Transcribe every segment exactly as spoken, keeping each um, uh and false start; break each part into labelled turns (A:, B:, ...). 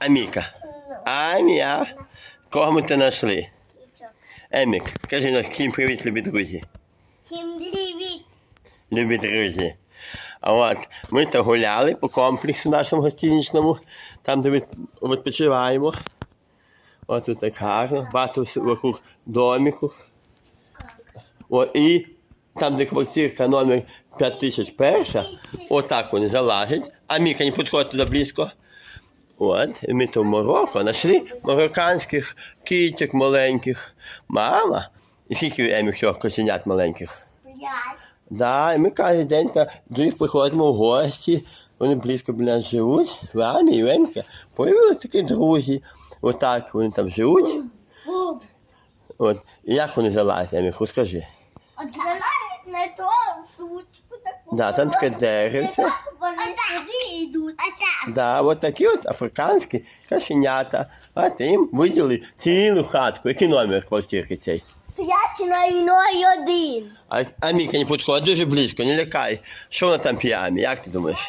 A: Аміка. Амія. Кого ми це знайшли? Емік, кажи нам всім привіт, любі друзі.
B: Всім привіт.
A: Любі друзі. А от ми то гуляли по комплексу нашому гостиничному, там, де відпочиваємо. От тут так гарно, багато вокруг домику. О, і там, де квартирка номер п'ять тисяч перша, отак вони залазять. А Міка не підходить туди близько. От, і ми то в Марокко знайшли марокканських кіток маленьких. Мама, і скільки Емі всього кошенят маленьких?
B: П'ять.
A: Да, і ми кожен день та до них приходимо в гості, вони близько біля нас живуть, в Амі і Емка. Появилися такі друзі, отак вони там живуть.
B: Бум.
A: От, і як вони залазять, Емі, розкажи.
B: От залазять на ту сучку таку.
A: Да, там таке деревце.
B: Вони сюди йдуть. А так.
A: Да, от такі от африканські кошенята. А їм виділи цілу хатку. Який номер квартирки цей?
B: П'ять на іной один.
A: А, а Міка не підходить дуже близько, не лякай. Що вона там п'є, Амі, як ти думаєш?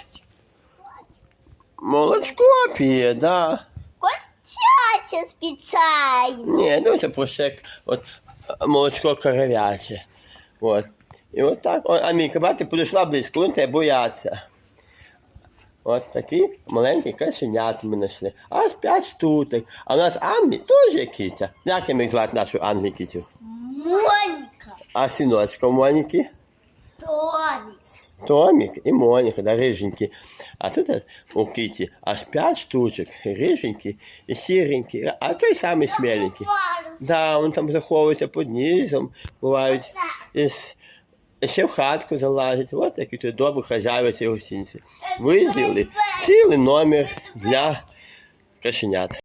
A: Молочко п'є, да.
B: Костяче спеціально.
A: Ні, ну це просто як от, молочко коров'яче. От. І от так. О, а Міка, бачите, підійшла близько, вони тебе бояться. От такі маленькі кошенята ми знайшли. Аж п'ять штуток. А у нас Англі теж є киця. Як їм звати нашу Англі кицю?
B: Моніка.
A: А синочка у Моніки?
B: Томік.
A: Томік і Моніка, да, риженькі. А тут у киті аж п'ять штучок, риженькі і сіренькі, а той самий смеленький. Да, він там заховується під низом, бувають, і, і ще в хатку залазять. Ось такі тут добрі хазяїви цієї гостиниці. Виділили цілий номер для кошенят.